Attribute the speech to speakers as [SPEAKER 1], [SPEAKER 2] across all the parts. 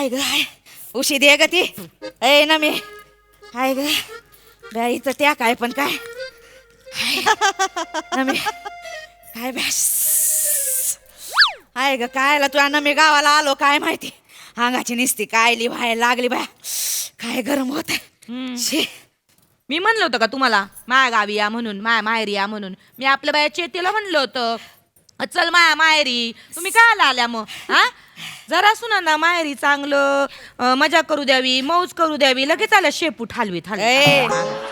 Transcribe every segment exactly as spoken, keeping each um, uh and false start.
[SPEAKER 1] ग हाय उशी दे ग ती ए ना मी हाय ग बाईचं त्या काय पण काय ना मी काय बॅस हाय ग कायला तू ना मी गावाला आलो काय माहिती अंगाची निसती कायली व्हायला लागली बाय काय गरम होत आहे.
[SPEAKER 2] मी म्हणलं होतं का तुम्हाला माया गावी या म्हणून माया माहेरी या म्हणून मी आपल्या बाया चेतीला म्हणलं होतं चल माया माहेरी तुम्ही काय आल्या मग हा जरा सुना ना माहेरी चांगलं अं, मजा करू द्यावी मौज करू द्यावी लगेच आल्या शेपूट हलवीत
[SPEAKER 1] ए,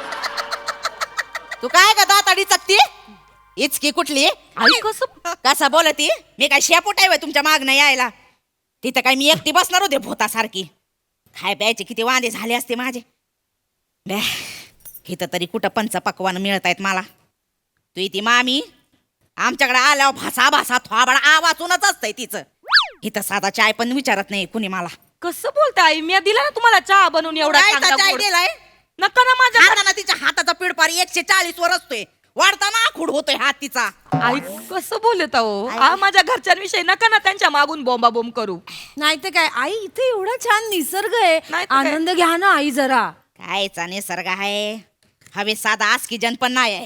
[SPEAKER 1] तू काय का दाताडी चकती इचकी कुठली
[SPEAKER 2] आई कसं
[SPEAKER 1] कसा बोलती मी काय शेपूट आहे तुमच्या मागणं यायला तिथं काय मी एकटी बसणार होते भोतासारखी खाय प्यायचे किती वांदे झाले असते माझे बॅ इथं तरी कुठं पंच पकवान मिळत आहेत मला तू इथे मामी आमच्याकडे आल्यावर भासा भासा थोबाड आवाजूनच असतंय तिचं इथं साधा चाय पण विचारत नाही कुणी मला
[SPEAKER 2] कसं बोलताय आई मी दिला ना तुम्हाला चहा बनवून एवढा
[SPEAKER 1] काय
[SPEAKER 2] चांगला
[SPEAKER 1] चाय
[SPEAKER 2] गोड.
[SPEAKER 1] दिलाय
[SPEAKER 2] नका ना माझ्या
[SPEAKER 1] हाताना तिच्या हाताचा पिडपार एकशे चाळीस वर असतोय वाढताना आखूड होतोय हात तिचा
[SPEAKER 2] आई कसं बोलत आहो आ माझ्या घरच्यांविषयी नका ना त्यांच्या मागून बोंबा बोंब करू
[SPEAKER 3] नाही तर काय आई इथे एवढा छान निसर्ग आहे
[SPEAKER 2] नाही तर काय?
[SPEAKER 3] आनंद घ्या ना आई जरा
[SPEAKER 1] कायचा निसर्ग आहे हवे साधा आस्की जन पण नाही आहे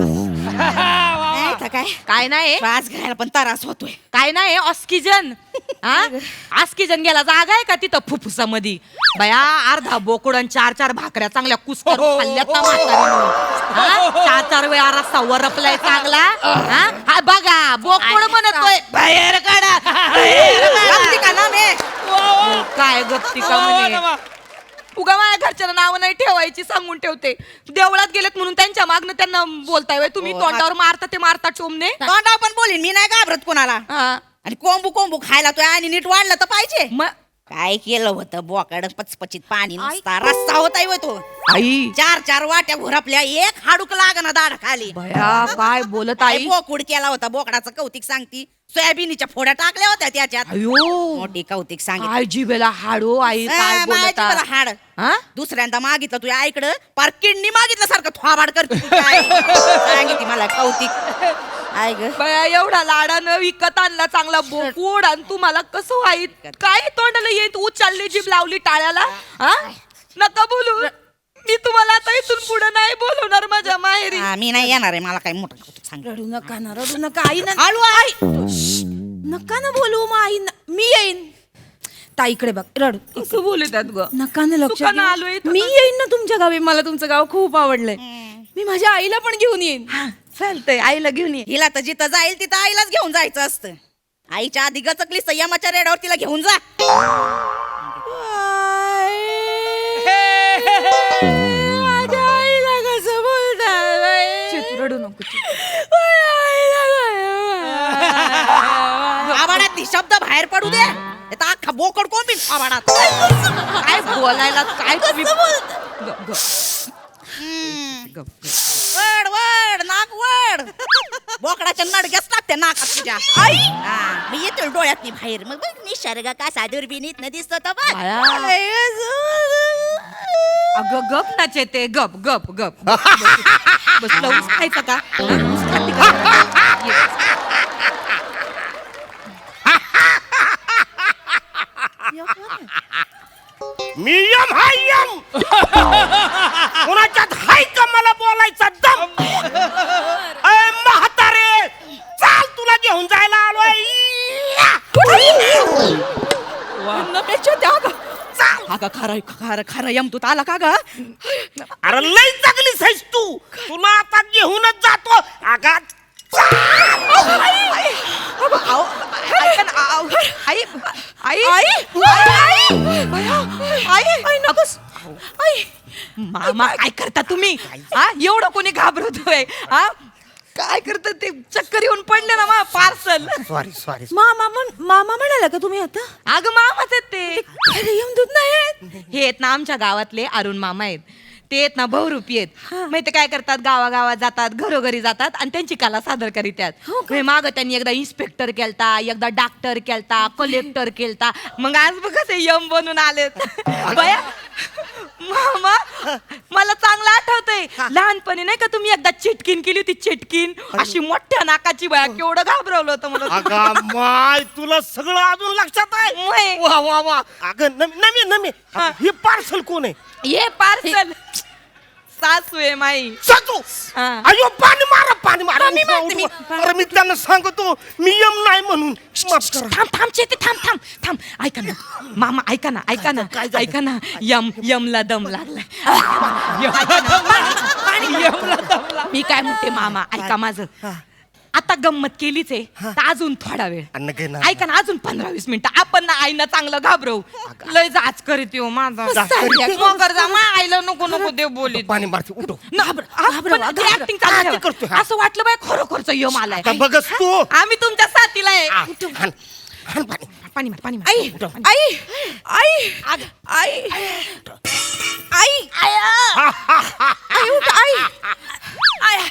[SPEAKER 1] नाही तर काय
[SPEAKER 2] काय नाही
[SPEAKER 1] श्वास घ्यायला पण त्रास होतोय
[SPEAKER 2] काय नाही ऑस्किजन हा ऑस्किजन गेला जागा आहे का तिथं फुफ्फुसामध्ये बया अर्धा बोकड आणि चार चार भाकऱ्या चांगल्या कुस्कर खाल्ल्यात ना म्हातारीनं. हा? चार चार वेळा रस्ता वरपलाय चांगला हा हा बघा बोकड म्हणतोय बाहेर काढा बाहेर काढा.
[SPEAKER 1] गप्ती का ना मे
[SPEAKER 2] काय गप्ती का म्हणे उगा माझ्या घरच्यांना नाव नाही ठेवायची सांगून ठेवते देवळात गेलेत म्हणून त्यांच्या मागणं त्यांना बोलताय व्हय. तुम्ही
[SPEAKER 1] हो,
[SPEAKER 2] तोंडावर मारता ते मारता टोमने
[SPEAKER 1] तोंडावर पण बोलीन मी नाही घाबरत कोणाला
[SPEAKER 2] हा.
[SPEAKER 1] आणि कोंबू कोंबू खायला तो आणि नीट वाढलं तर पाहिजे
[SPEAKER 2] म-
[SPEAKER 1] काय केलं होतं बोकाड पचपचित पाणी नुसता रस्ता होता होय तो
[SPEAKER 2] आई
[SPEAKER 1] चार चार वाट्या घोरपल्या एक हाडूक लागना दाढ खाली
[SPEAKER 2] बया काय बोलत
[SPEAKER 1] काय
[SPEAKER 2] आई
[SPEAKER 1] बोकुड केला होता बोकडाचं कौतिक सांगती सोयाबीनच्या फोड्या टाकल्या होत्या त्याच्यात
[SPEAKER 2] अयो
[SPEAKER 1] मोठी कौतिक सांगितलं
[SPEAKER 2] काय जिभेला हाडो आई काय
[SPEAKER 1] ए,
[SPEAKER 2] बोलत
[SPEAKER 1] माझी मला हाड
[SPEAKER 2] हा
[SPEAKER 1] दुसऱ्यांदा मागितलं तुझ्या आईकडं पार किडनी मागितलं सारखं थोबाड करते तू काय. सांगितली मला कौतिक आय ग
[SPEAKER 2] बया एवढा लाडानं विकत आणला चांगला बोकूड आणि तुम्हाला कसं व्हाईत काय तोंडाला येत उचलली जीभ लावली टाळ्याला हा नका बोलू मी तुम्हाला आता इथून पुढे नाही बोलवणार माझ्या माहेरी
[SPEAKER 1] हा, मी नाही येणार आहे मला काय मोठं कौतुक सांग
[SPEAKER 3] रडू नका ना रडू नका आई ना
[SPEAKER 1] हळू आई
[SPEAKER 3] नका ना बोलू मग आई न- मी येईन ताईकडे बघ रडू
[SPEAKER 2] कसं बोलतात ग
[SPEAKER 3] नका ना लक्ष
[SPEAKER 2] तुका ना
[SPEAKER 3] देऊ.
[SPEAKER 2] आलोय इथं
[SPEAKER 3] मी येईन ना तुमच्या गावी मला तुमचं गाव खूप आवडलंय मी माझ्या आईला पण घेऊन येईन
[SPEAKER 2] चालतंय आईला घेऊन ये
[SPEAKER 1] हिला तर जिथं जाईल तिथं आईलाच घेऊन जायचं असतं आईच्या आधी गचकली संयमाच्या रेड्यावर तिला घेऊन जा
[SPEAKER 3] माझ्या आईला कसं बोलतात बाई?
[SPEAKER 2] चित रडू नको चित.
[SPEAKER 3] माझ्या आईला काय-
[SPEAKER 1] आबाडात शब्द बाहेर पडू दे आता अख्खा बोकड कोण बिन आबाडात
[SPEAKER 2] काय बोलायला काय तुम्ही ग- ग- ग- ग-
[SPEAKER 1] वड वड नाक वड बोकडाच्या नडग्याच टाकते नाकात तुझ्या आई मी येतो डोळ्यात नाही बाहेर मग बघ निसर्ग कसा दुर्बिणीत न दिसतो तो बघ
[SPEAKER 2] बाया. अगं गप नाचे ते गप गप गप बसलं ऊस खायचं का हा? ऊस खाती का? ये.
[SPEAKER 4] मी यम हाय यम कुणाच्यात हाय का मला बोलायचा दम अय म्हातारे चाल तुला घेऊन जायला आलोय
[SPEAKER 1] अगं खरं खरं खरं यम तू आला का ग
[SPEAKER 4] अरे लय जगलीस आहेस तू तुला आता घेऊनच जातो अगा
[SPEAKER 2] आई आई आई आई नकोस आई मामा काय करता तुम्ही हा एवढं कोणी घाबरतोय हा काय करतात ते चक्कर येऊन पडले ना मा पार्सल
[SPEAKER 4] सॉरी सॉरी
[SPEAKER 3] मामा म्हण- मामा म्हणाला का तुम्ही आता
[SPEAKER 2] अगं मामाच आहेत ते
[SPEAKER 3] अरे यमदूत नाही आहेत.
[SPEAKER 2] हे आहेत ना आमच्या गावातले अरुण मामा आहेत ते आहेत ना बहुरूपी आहेत माहिती काय करतात गावागावात जातात घरोघरी जातात आणि त्यांची कला सादर करीतात माग त्यांनी एकदा इन्स्पेक्टर केलता एकदा डॉक्टर केलता कलेक्टर केलता मग आज बघा ते यम बनून आलेत बया मामा मला चांगलं आठवतंय लहानपणी नाही का तुम्ही एकदा चिटकीन केली होती चिटकीन अशी मोठ्या नाकाची बाया केवढं घाबरवलं होतं मला
[SPEAKER 4] अगं माय तुला सगळं अजून लक्षात आहे
[SPEAKER 2] वय.
[SPEAKER 4] वा वा वा अगं नमी नमी नमी
[SPEAKER 2] हा.
[SPEAKER 4] हे पार्सल कोण आहे
[SPEAKER 2] ये पार्सल सासू आहे माई
[SPEAKER 4] सासू
[SPEAKER 2] हा.
[SPEAKER 4] अयो पाणी मारा पाणी मारा
[SPEAKER 3] मी मारते, मी.
[SPEAKER 4] अरे मी त्यांना सांगतो मी यम नाही म्हणून माफ करा
[SPEAKER 2] थांब थांब चेते थांब थांब थांब ऐका ना मामा ऐका ना ऐका ना
[SPEAKER 4] काय झालं?
[SPEAKER 2] ऐका ना यम यमला दम लागलाय ऐका ना, पाणी- यमला दम लागलाय. मी काय म्हणते मामा ऐका माझं आता गंमत केलीच आहे तर अजून थोडा वेळ
[SPEAKER 4] अन्न घे ना.
[SPEAKER 2] ऐका ना अजून पंधरा वीस मिनिटं आपण ना आईना चांगलं घाबरवू लय जाच करीत येऊ माझा
[SPEAKER 4] जाच करीत?
[SPEAKER 2] मगर जा मा आईला नको नको देव बोली
[SPEAKER 4] पाणी मारते उठो
[SPEAKER 2] ऍक्टिंग
[SPEAKER 4] हा,
[SPEAKER 2] चालू
[SPEAKER 4] ते
[SPEAKER 2] ठेवा.
[SPEAKER 4] करतोय, हा.
[SPEAKER 2] असं वाटलं बाय खरोखरच यम आलाय
[SPEAKER 4] आता बघच तू
[SPEAKER 2] आम्ही तुमच्या साथीला आहे
[SPEAKER 4] आ, हाण, हाण पाणी
[SPEAKER 2] पाणी मार पाणी मार
[SPEAKER 3] आई आई आई आई आई आई उठ आई आई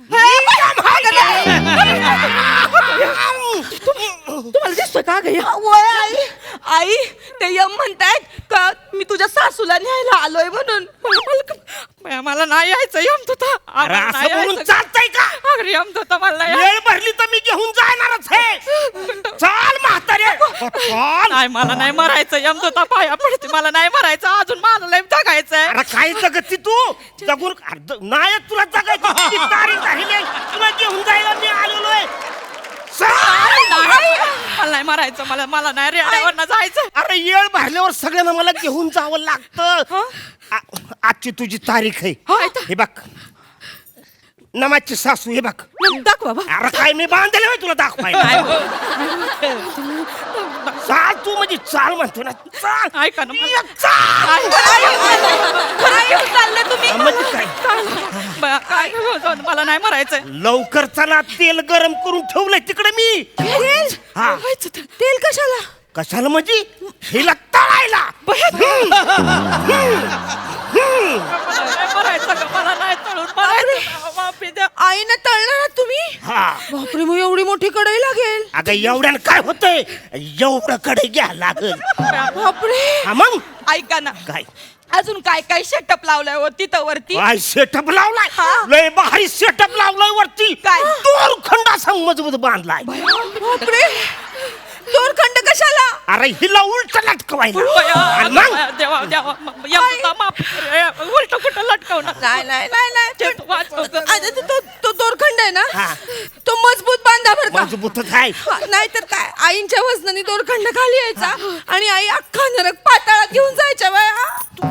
[SPEAKER 2] तुम्हाला दिसतोय का ग आई आई ते यम म्हणतायत का मी तुझ्या सासूला न्यायला आलोय म्हणून मला- मला नाही यायचं यम तुझा
[SPEAKER 4] अरे असं बोलून चालतंय का
[SPEAKER 2] यम तुझा मला नाही
[SPEAKER 4] वेळ भरली तर मी घेऊन जाणारच आहे चाल म्हातारे चाल
[SPEAKER 2] नाही मला नाही मरायचं यम तुझा पाया पडते मला नाही मरायचं अजून मला लय जगायचंय
[SPEAKER 4] अरे काय जगती तू जगून अर्ध- नाही तुला जगायची किती तारीख राहिली तुला घेऊन जायला मी आलेलोय चाल.
[SPEAKER 2] मला नाही मरायचं मला मला नाही रेड्यावर जायचं
[SPEAKER 4] अरे येळ भरल्यावर सगळ्यांना मला घेऊन जावं लागतं आ- आजची तुझी तारीख आहे हे बघ नमाजची सासू हे बघ
[SPEAKER 2] दाखवा बा.
[SPEAKER 4] अरे काय मी बांधले होय तुला दाखवायला चाल तू म्हणजे चाल म्हणतो ना चाल
[SPEAKER 2] ऐका ना मला-
[SPEAKER 4] ये, चाल
[SPEAKER 2] खरं घेऊन चालले तुम्ही
[SPEAKER 4] म्हणजे काय
[SPEAKER 2] बया, काय घेऊन मला नाही मरायचंय
[SPEAKER 4] लवकर चला तेल गरम करून ठेवलंय तिकडे मी
[SPEAKER 3] तेल
[SPEAKER 4] हा
[SPEAKER 3] तेल कशाला
[SPEAKER 4] कशाला म्हणजे हिला तळायला हम्म. हम्म.
[SPEAKER 2] मरायचं का मला नाही तळून मरायचं माफी द्या
[SPEAKER 3] आईनं तळणार तुम्ही
[SPEAKER 4] हा
[SPEAKER 3] बापरे मग एवढी मोठी कढई लागेल
[SPEAKER 4] अगं एवढ्यानं काय होतंय एवढं कडे घ्या लागल
[SPEAKER 3] बापरे
[SPEAKER 4] हा मग
[SPEAKER 2] ऐका ना
[SPEAKER 4] काय
[SPEAKER 2] अजून काय काय सेटअप लावलाय हो तिथं वरती
[SPEAKER 4] काय सेटअप लावलाय
[SPEAKER 2] हा.
[SPEAKER 4] लय भारी सेटअप लावलाय वरती
[SPEAKER 2] काय?
[SPEAKER 4] दोर खंड असा मजबूत बांधलाय
[SPEAKER 3] बापरे दोरखंड कशाला
[SPEAKER 4] अरे हिला उलट लटकवायला
[SPEAKER 2] बया,
[SPEAKER 4] आणि मग
[SPEAKER 2] देवा देवा यमदूता माफ उलट कुठं लटकवणार
[SPEAKER 3] नाही नाही नाही नाही
[SPEAKER 2] ते तू वाचव ग.
[SPEAKER 3] आता तो- तो तो दोरखंड आहे ना
[SPEAKER 4] हा.
[SPEAKER 3] तो मजबूत बांधा बर का
[SPEAKER 4] मजबूतच आहे
[SPEAKER 3] नाही तर काय आईंच्या वजनाने दोरखंड खाली यायचा आणि आई अख्खा नरक पाताळात घेऊन जायच्या बाया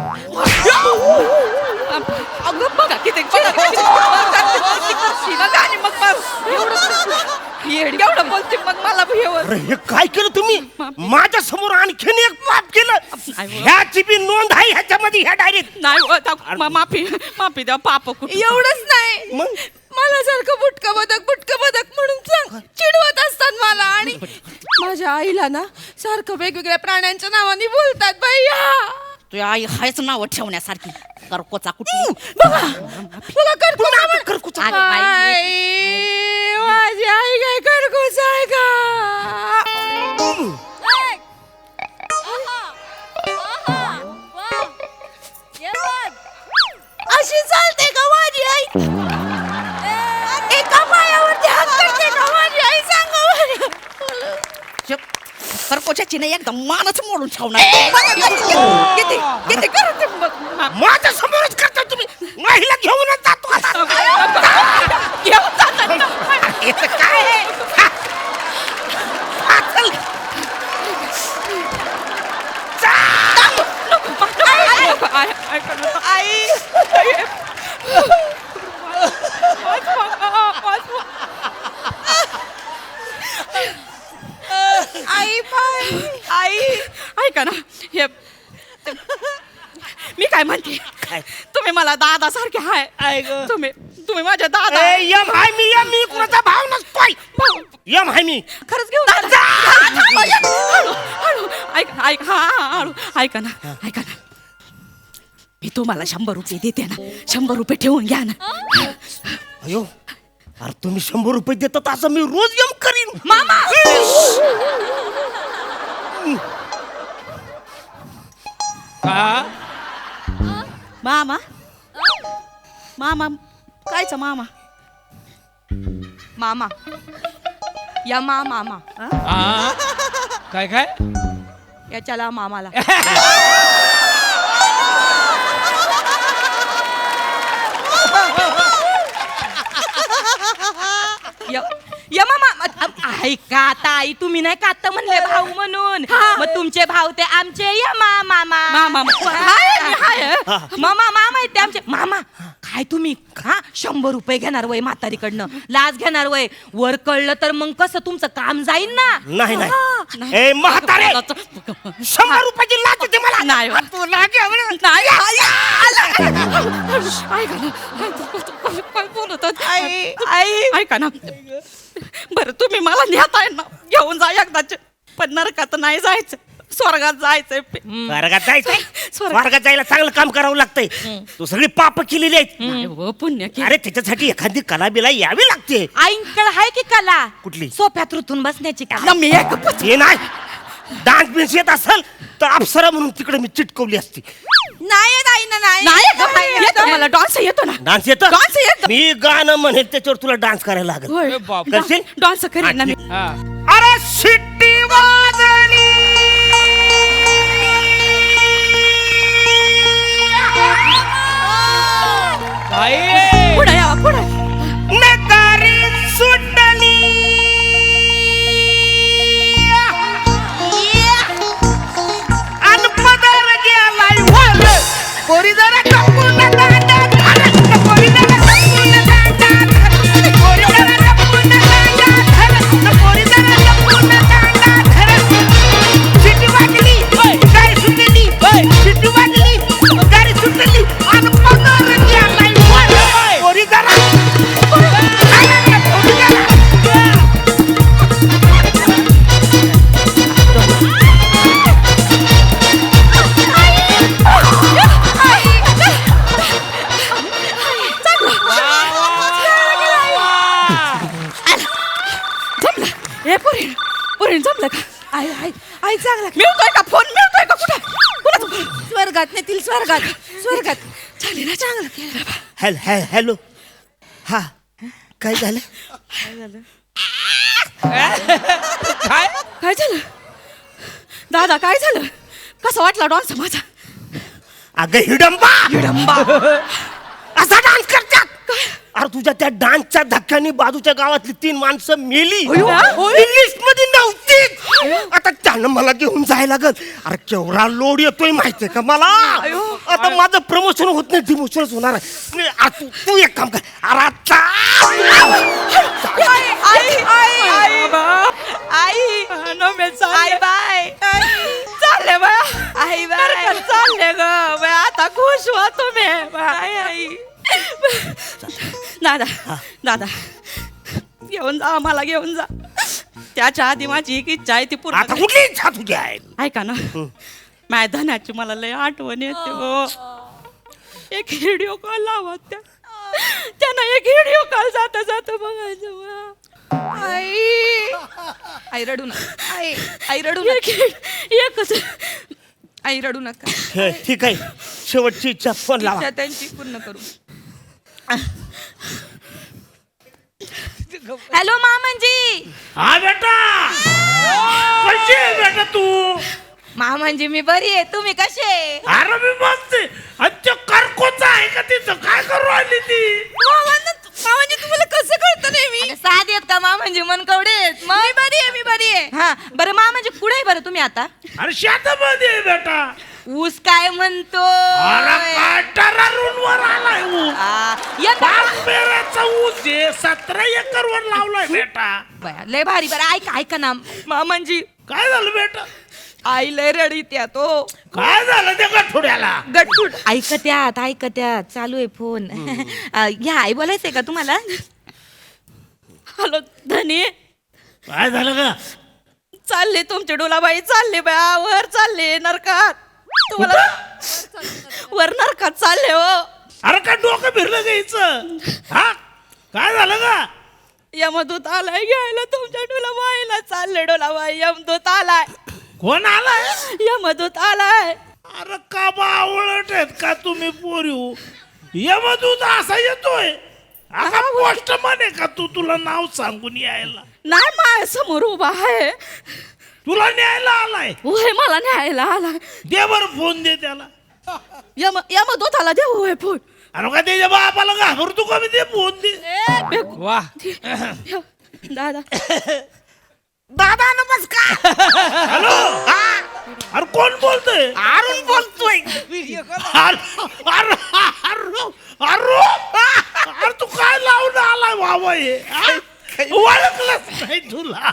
[SPEAKER 2] अगं बघा किती बघा किती- बघा आणि मग बघ. एवढं एवढं बोलते मग मला भेवर
[SPEAKER 4] अरे हे काय केलं तुम्ही माझ्या समोर आणखीन एक पाप केलं
[SPEAKER 2] नाही.
[SPEAKER 4] ह्याची बी नोंद आहे ह्याच्यामध्ये ह्या डायरीत
[SPEAKER 2] नाही हो, दा- मा- माफी माफी द्या पाप कुठं
[SPEAKER 3] एवढंच नाही
[SPEAKER 4] मग?
[SPEAKER 3] मला सारखं बुटका बदक बुटका बदक म्हणून सांग चिडवत असतात मला आणि माझ्या आईला ना सारखं वेगवेगळ्या प्राण्यांच्या नावाने बोलतात भैया
[SPEAKER 1] तुझ्या आई हायच नाव ठेवण्यासारखी करकोचा कुठली
[SPEAKER 3] बघा तुला करकूच आवड-
[SPEAKER 4] करकूच
[SPEAKER 1] अगं बाई.
[SPEAKER 3] आई, माझी आई काय करकूच आहे का अशी चालते का माझी आई एका पायावरती हात करते का माझी आई सांगा बरं.
[SPEAKER 1] करकोच्याची नाही एकदम मानच मोडून ठेवणार बघा किती- किती किती करते बघ.
[SPEAKER 4] माझ्या समोरच करता तुम्ही महिला घेऊनच जातो आता
[SPEAKER 2] घेऊन जातात ना.
[SPEAKER 4] याचं काय आहे? हा. हा, चल.
[SPEAKER 2] आई ऐका ना. आई
[SPEAKER 3] आई बाई
[SPEAKER 2] आई ऐका ना हे मी काय म्हणते
[SPEAKER 4] काय?
[SPEAKER 2] तुम्ही मला दादा सारखे हाय तुम्ही तुम्ही माझ्या दादा
[SPEAKER 4] ए, यम हाय मी यम मी कुणाचा भाव नसतोय यम हाय मी
[SPEAKER 2] खरंच घेऊन जा. हळू हळू ऐक ऐक हा हा, हळू ऐका ना ऐका ना मी तुम्हाला शंभर रुपये देते ना शंभर रुपये ठेवून घ्या ना
[SPEAKER 4] अयो अरे तुम्ही शंभर रुपये देतात असं मी रोज यम करीन
[SPEAKER 2] मामा
[SPEAKER 1] मामा मामा कायचा मामा
[SPEAKER 2] मामा या मा मामा
[SPEAKER 5] आ? काय काय
[SPEAKER 2] याच्याला मामाला य- या मामा ऐका आता आई तुम्ही नाही का आता म्हणले भाऊ म्हणून मग तुमचे भाऊ ते आमचे या मा मामा
[SPEAKER 1] मामा.
[SPEAKER 2] हाय, हाय. मामा मामा आहेत ते आमचे मामा काय तुम्ही हा शंभर रुपये घेणार वय म्हातारीकडनं लाच घेणार वय वर कळलं तर मग कसं तुमचं काम जाईल ना
[SPEAKER 4] नाही नाही ए म्हातारे शंभर रुपयाची लाच होती मला
[SPEAKER 1] नाही.
[SPEAKER 4] आ, तू लाच घ्यावं ना.
[SPEAKER 1] ऐका ना काय बोलत होत?
[SPEAKER 2] आई आई
[SPEAKER 1] ऐका ना बरं तुम्ही मला नेताय ना घेऊन जा एकदाच पण नरकात नाही जायचं स्वर्गात जायचंय
[SPEAKER 4] स्वर्गात जायचंय
[SPEAKER 1] स्वर्गात.
[SPEAKER 4] स्वर्गात जायला चांगलं काम करावं लागतंय तू सगळी पाप केलेली आहेत
[SPEAKER 1] नाही हो, पुण्य केलं.
[SPEAKER 4] अरे त्याच्यासाठी एखादी कला बिला यावी लागते
[SPEAKER 2] आईंकडे आहे की कला
[SPEAKER 4] कुठली?
[SPEAKER 2] सोफ्यात रुतून बसण्याची
[SPEAKER 1] ना
[SPEAKER 2] कला
[SPEAKER 1] मी एक पच-
[SPEAKER 4] हे नाही डान्स बिन्स येत असेल तर अप्सरा म्हणून तिकडे मी चिटकवली असती
[SPEAKER 2] नाही आई ना नाही
[SPEAKER 1] नाही ग बाई, येतो मला डान्स येतो ना
[SPEAKER 4] डान्स येत
[SPEAKER 1] डान्स येतो.
[SPEAKER 4] मी गाणं म्हणेल त्याच्यावर तुला डान्स करायला लागेल
[SPEAKER 1] होय.
[SPEAKER 5] ए बाप.
[SPEAKER 4] करशील?
[SPEAKER 1] डान्स करेन ना मी
[SPEAKER 5] हा.
[SPEAKER 4] अरे शिट्टी वाजली
[SPEAKER 5] आई
[SPEAKER 1] पुढे यावा पुढे
[SPEAKER 4] नकारी सुटली अनपदर गेलाय वर पोरी जरा कपून दांडात घालत, पोरी जरा कपून दांडात घालत, पोरी जरा कपून दांडात घालत, पोरी जरा कपून दांडात घालत. शिट्टी वाजली गाडी सुटली शिट्टी वाजली गाडी सुटली अनपदर गेलाय वर पोरी जरा
[SPEAKER 1] हे पुरी पुरी जमलं का
[SPEAKER 3] आई आई आई चांगला
[SPEAKER 1] मिळतोय का फोन मिळतोय का कुठे कुठे
[SPEAKER 3] स्वर्गात नेतील स्वर्गात स्वर्गात चालेल ना चांगलं केलं
[SPEAKER 4] हॅल हॅल हॅलो हा काय झालं
[SPEAKER 5] काय
[SPEAKER 1] काय झालं दादा काय झालं कसं वाटला डान्स माझा
[SPEAKER 4] अगं हिडंबा
[SPEAKER 1] हिडंबा
[SPEAKER 4] असा डान्स करतात अरे तुझ्या त्या डान्सच्या धक्क्याने बाजूच्या गावातली तीन माणसं मेली लिस्ट मध्ये नव्हती आता त्यानं मला घेऊन जायला लागल अरे केवढा लोड येतोय माहितीये का मला आता माझं प्रमोशन होत नाही डिमोशनच होणार आहे नाही, आ, तू तू एक काम कर अरे आता
[SPEAKER 2] आई आई आई आई आई बाय
[SPEAKER 1] चालले बा
[SPEAKER 2] आई बाय
[SPEAKER 1] चालले ग बाई, आता खुश व्हा तुम्ही बाई.
[SPEAKER 2] आई आई
[SPEAKER 1] दादा दादा घेऊन जा मला घेऊन जा त्याच्या आधी माझी एक इच्छा आहे ती पूर्ण
[SPEAKER 4] आता
[SPEAKER 1] कर.
[SPEAKER 4] कुठली इच्छा तुझी आहे
[SPEAKER 1] ऐका ना माझ्या धनाची मला लय आठवण येते हो एक व्हिडिओ कॉल लावा त्या त्यांना एक व्हिडिओ कॉल जाता जाता बघायचं बा.
[SPEAKER 2] आई आई रडू नका आई आई रडू
[SPEAKER 1] एक
[SPEAKER 2] नका
[SPEAKER 1] एकच
[SPEAKER 2] आई रडू नका
[SPEAKER 4] हे, ठीक आहे शेवटची इच्छा फोन लावा
[SPEAKER 2] इच्छा त्यांची पूर्ण करू हॅलो मामांजी
[SPEAKER 5] हा बेटा कशी आहे बेटा तू
[SPEAKER 2] मामांजी मी बरी आहे तुम्ही कसे
[SPEAKER 5] अरे मी बसते अच्छा करकोचा आहे का तिथं काय करू आली ती
[SPEAKER 2] मामांजी तुम्हाला कसं कळतं नेहमी साध येत का मामांजी मनकवडे मी बरी आहे मी बरी आहे हा बरं मामांजी कुठे आहे बरं तुम्ही आता
[SPEAKER 5] अरे शेतामध्ये आहे बेटा
[SPEAKER 2] ऊस काय म्हणतो
[SPEAKER 5] अरे काय टरारूनवर आलाय ऊस
[SPEAKER 2] आ, यंदा-
[SPEAKER 5] पाच पेराचा ऊस आहे सतरा एकर वर लावलाय बेटा
[SPEAKER 2] बया, लय भारी बरं ऐका ऐका ना मामांजी
[SPEAKER 5] काय झालं बेटा
[SPEAKER 2] आई लय रडीत या तो
[SPEAKER 5] काय झालं त्या गठुड्याला
[SPEAKER 2] गटफूट ऐकत्यात ऐकत्यात चालू आहे फोन या आई बोलायचंय का तुम्हाला
[SPEAKER 1] हॅलो धनी
[SPEAKER 5] काय झालं का
[SPEAKER 1] चालले तुमचे डोलाबाई चालले बा वर चालले नरकात तुम्हाला वर नरकात चालले हो
[SPEAKER 5] अरे काय डोकं फिरलं घ्यायचं हा काय झालं का
[SPEAKER 1] यमदूत आलाय घ्यायला तुमच्या डोलाबाईला चालले डोलाबाई यमदूत आलाय
[SPEAKER 5] कोण आलाय
[SPEAKER 1] यमदूत आलाय
[SPEAKER 5] अरे का बावळट आहेत का तुम्ही पोरीव यमदूत असा येतोय आता पोस्ट म्हणे का तू तुला नाव सांगून यायला
[SPEAKER 3] नाही माझ्या समोर उभा आहे
[SPEAKER 5] तुला न्यायला आलाय
[SPEAKER 3] होय मला न्यायला आला
[SPEAKER 5] दे बर फोन दे त्याला
[SPEAKER 3] यम यमदूताला देऊ होय फोन
[SPEAKER 5] अरे का त्याच्या बापाला घाबरतो का मी ते फोन दे
[SPEAKER 4] वा
[SPEAKER 3] दादा
[SPEAKER 4] दादा नमस्कार
[SPEAKER 5] हॅलो अरे कोण बोलतोय
[SPEAKER 4] अरुण बोलतोय
[SPEAKER 5] अरे अरे अरे अरे अरे तू काय लावून आलाय बाबा हे हा? ओळखलंच नाही तुला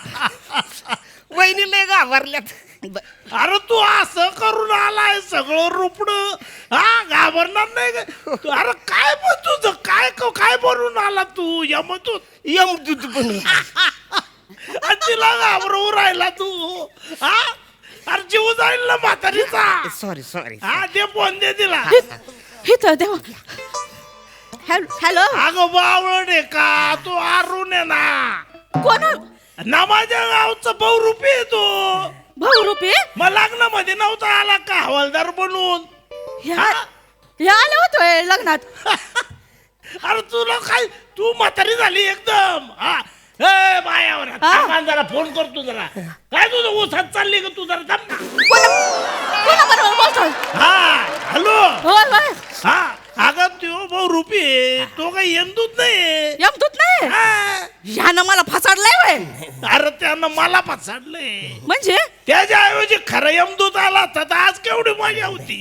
[SPEAKER 4] वहिनी लय घाबरल्यात
[SPEAKER 5] अरे तू असं करून आलाय सगळं रुपड हा घाबरणार नाही का? तू- अरे काय पण तुझं काय काय बनवून आला तू यमतूत
[SPEAKER 4] यमदूत बनून
[SPEAKER 5] आणि तिला घाबरवून राहिला तू हा अरे जीव जाईल ना म्हातारीचा
[SPEAKER 4] सॉरी सॉरी
[SPEAKER 5] हा ते फोन दे तिला
[SPEAKER 3] इथं देवा हॅलो
[SPEAKER 5] अगं बावळण आहे का तू अरुण आहे ना
[SPEAKER 3] कोण
[SPEAKER 5] ना माझ्या गावचा बहुरूपी आहे तो
[SPEAKER 3] भाऊ रुपये
[SPEAKER 5] मग लग्नामध्ये नव्हता आला का हवालदार बनून
[SPEAKER 3] या या आले होतोय लग्नात
[SPEAKER 5] अरे तुला काय तू म्हातारी झाली एकदम हा ए बायावर
[SPEAKER 3] हा?
[SPEAKER 5] थांब जरा फोन करतो जरा काय तुझं ऊसात चालली का तू जरा थांब ना.
[SPEAKER 3] कोणाबरोबर बोलतोय
[SPEAKER 5] हा हॅलो
[SPEAKER 3] होय होय
[SPEAKER 5] हा अगं तो भाऊ रुपी आहे, तो काही यमदूत नाही
[SPEAKER 3] यमदूत नाही
[SPEAKER 5] हा.
[SPEAKER 3] ह्यानं मला फसाडलंय वय
[SPEAKER 5] अरे त्यानं मला फसाडलंय
[SPEAKER 3] म्हणजे
[SPEAKER 5] त्याच्याऐवजी खरं यमदूत आला असता तर आज केवढी मजा होती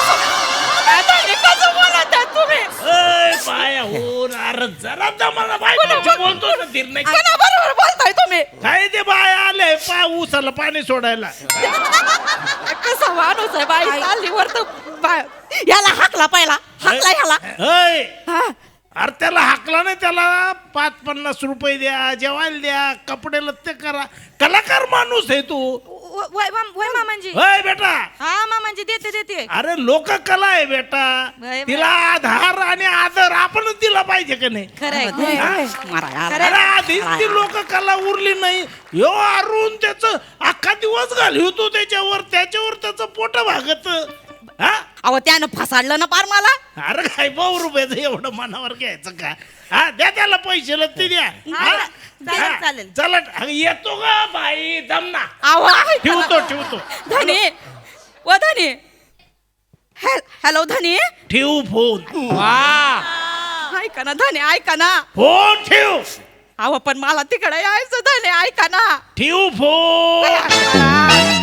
[SPEAKER 3] आता हे कसं बोलत आहे तुम्ही
[SPEAKER 5] ए, बाया हो अरे जरा दमाला बायकोची बोलतो ना धीर नाही
[SPEAKER 3] कोणाबरोबर बोलताय तुम्ही
[SPEAKER 5] काय ते बाया आले पा ऊसाला पाणी सोडायला
[SPEAKER 3] कसा माणूस आहे बाई चालली वर तर बाय याला हाकला पहिला हाकला ह्याला
[SPEAKER 5] ऐ,
[SPEAKER 3] हा
[SPEAKER 5] अरे त्याला हाकला नाही त्याला पाच पन्नास रुपये द्या जेवायला द्या कपडे लत्ते करा कलाकार माणूस आहे तू
[SPEAKER 2] वय माम- वय मामांजी
[SPEAKER 5] होय बेटा
[SPEAKER 2] हा मामांजी देते देते
[SPEAKER 5] अरे लोककला आहे बेटा
[SPEAKER 2] बाय,
[SPEAKER 5] तिला आधार आणि आदर आपणच दिला पाहिजे का नाही
[SPEAKER 2] खरंय
[SPEAKER 3] होय, होय. मारा याला.
[SPEAKER 5] अरे आधीच ती लोककला उरली नाही यो अरुण त्याच अख्खा दिवस घालवतो त्याच्यावर त्याच्यावर त्याचं पोट भागत हा
[SPEAKER 3] अहो त्यानं फसाडलं ना पार मला
[SPEAKER 5] अरे काय भाऊ रुपयाचं एवढं मनावर घ्यायचं का हा द्या त्याला पैसे लत्ती द्या हा?
[SPEAKER 2] चालेल,
[SPEAKER 5] हा,
[SPEAKER 2] चालेल.
[SPEAKER 5] चला अगं, येतो का बाई दम ना
[SPEAKER 3] अहो
[SPEAKER 5] ठेवतो ठेवतो
[SPEAKER 3] धनी व धनी हॅ- हॅलो धनी
[SPEAKER 5] ठेवू फोन
[SPEAKER 3] ऐका ना धनी ऐका ना
[SPEAKER 5] फोन ठेव
[SPEAKER 3] अहो पण मला तिकडे यायचं धनी ऐका ना
[SPEAKER 5] ठेवू फोन